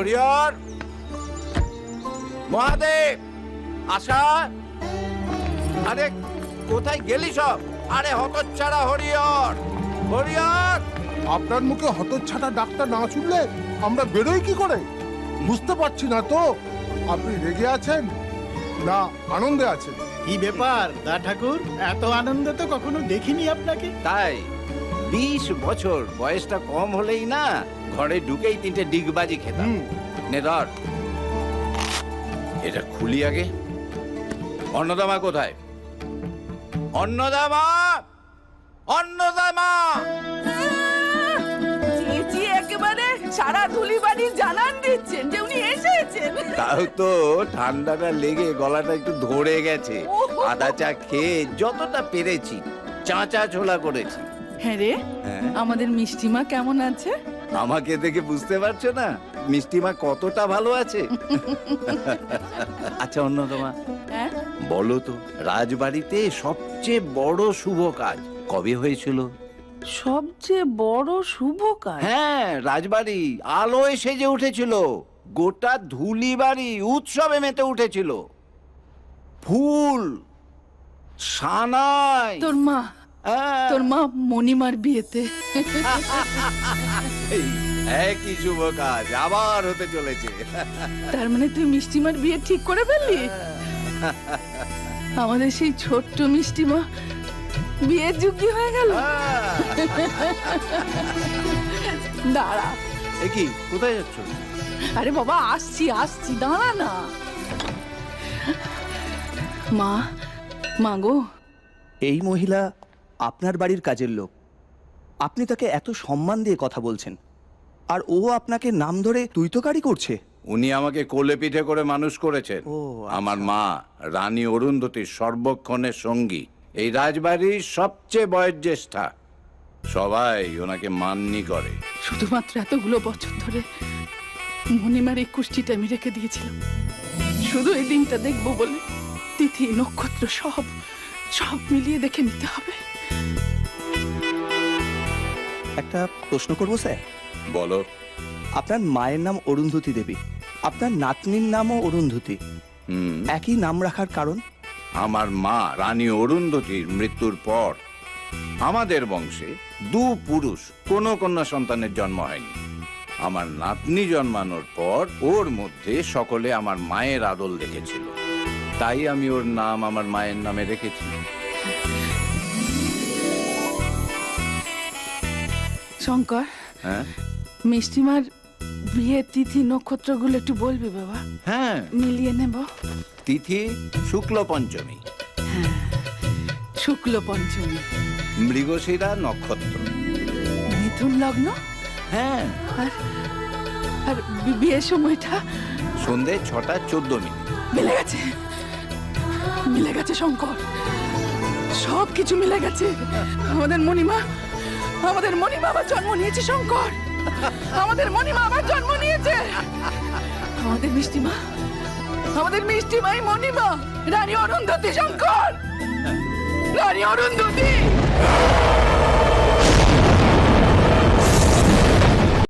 হরিহর, মহাদেব, আশা, আরে কোথায় গেলি সব? আরে হতচ্ছাড়া হরিহর, হরিহর! আপনার মুখে হতচ্ছাটা ডাক্তার না শুনলে আমরা বেরোই কি করে? বুঝতে পারছি না তো আপনি রেগে আছেন না আনন্দে আছেন। কি ব্যাপার দা ঠাকুর, এত আনন্দ তো কখনো দেখিনি আপনাকে। তাই 20 বছর বয়সটা কম হলেই না ঘরে ঢুকেই 3টে ডিগবাজি খেতাম। নে ধর, এটা খুলি আগে। অন্নদামা কোথায়? অন্নদামা, অন্নদামা! চেঁচি একেবারে সারা ধুলিবাড়ি জানান দিচ্ছেন যে উনি এসেছেন। তাও তো ঠান্ডাটা লেগে গলাটা একটু ধরে গেছে। আদা চা খেয়ে যতটা পেরেছি চাঁচা ছোলা করেছি। হ্যাঁ রে, হ্যাঁ? আমাদের মিষ্টিমা কেমন আছে? আমাকে দেখে বুঝতে পারছো না মিষ্টিমা কতটা ভালো আছে? আচ্ছা অন্যতমা, হ্যাঁ, বলো তো রাজবাড়িতে সবচেয়ে বড় শুভ কাজ কবে হয়েছিল? সবচেয়ে বড় শুভ কাজ? হ্যাঁ, রাজবাড়ি আলোয় সেজে উঠেছিল। গোটা ধুলিবাড়ি উৎসবে মেতে উঠেছিল। ফুল, সানাই। তোর মা, হ্যাঁ, তোর মা মণিমার বিয়েতে। একই শুভ কাজ আবার হতে চলেছে। তার মানে তুই মিষ্টিমার বিয়ে ঠিক করে ফেললি? আমাদের সেই ছোট্ট মিষ্টিমা বিয়ের যোগ্য হয়ে গেল। দাঁড়া। এ কি, কোথায় যাচ্ছ? আরে বাবা, আসছি আসছি, দাঁড়া না। মা, মা গো, এই মহিলা আপনার বাড়ির কাজের লোক, আপনি তাকে এত সম্মান দিয়ে কথা বলছেন, আর ও আপনাকে নাম ধরে তুইতকারি করছে। উনি আমাকে কোলে পিঠে করে মানুষ করেছেন। ও, আচ্ছা। আমার মা রানী অরুন্ধতির সর্বক্ষণের সঙ্গী, এই রাজবাড়ির সবচেয়ে বয়োজ্যেষ্ঠা। সবাই ওনাকে মান্যি করে। শুধুমাত্র এতগুলো বছর ধরে মণিমার এই কুষ্টিটা আমি রেখে দিয়েছিলাম শুধু এই দিনটা দেখবো বলে। তিথি নক্ষত্র সব সব মিলিয়ে দেখে নিতে হবে। একটা প্রশ্ন করবো স্যার? বলো। আপনার মায়ের নাম অরুন্ধতী দেবী, আপনার নাতনির নামও অরুন্ধতী, একই নাম রাখার কারণ? আমার মা রানী অরুন্ধতির মৃত্যুর পর আমাদের বংশে 2 পুরুষ কোনো কন্যা সন্তানের জন্ম হয়নি। আমার নাতনি জন্মানোর পর ওর মধ্যে সকলে আমার মায়ের আদল দেখেছিল, তাই আমি ওর নাম আমার মায়ের নামে রেখেছি। শঙ্কর, হ্যাঁ মিষ্টিমার বিয়ে তিথি নক্ষত্রগুলো একটু বলবি বাবা? হ্যাঁ, মিলিয়ে নেব। তিথি শুক্ল পঞ্চমী, শুক্ল পঞ্চমী, মৃগশিরা নক্ষত্র। মিথুন লগ্ন। হ্যাঁ, আর আর বিয়ের সময়টা সন্ধে 6:14। মিলে গেছে, মিলে গেছে শঙ্কর, সব কিছু মিলে গেছে। আমাদের মণিমা আবার জন্ম নিয়েছে শঙ্কর, আমাদের মণিমা আবার জন্ম নিয়েছে। আমাদের মিষ্টিমাই মণিমা, রানী অরুন্ধতী। শঙ্কর, রানী অরুন্ধতী।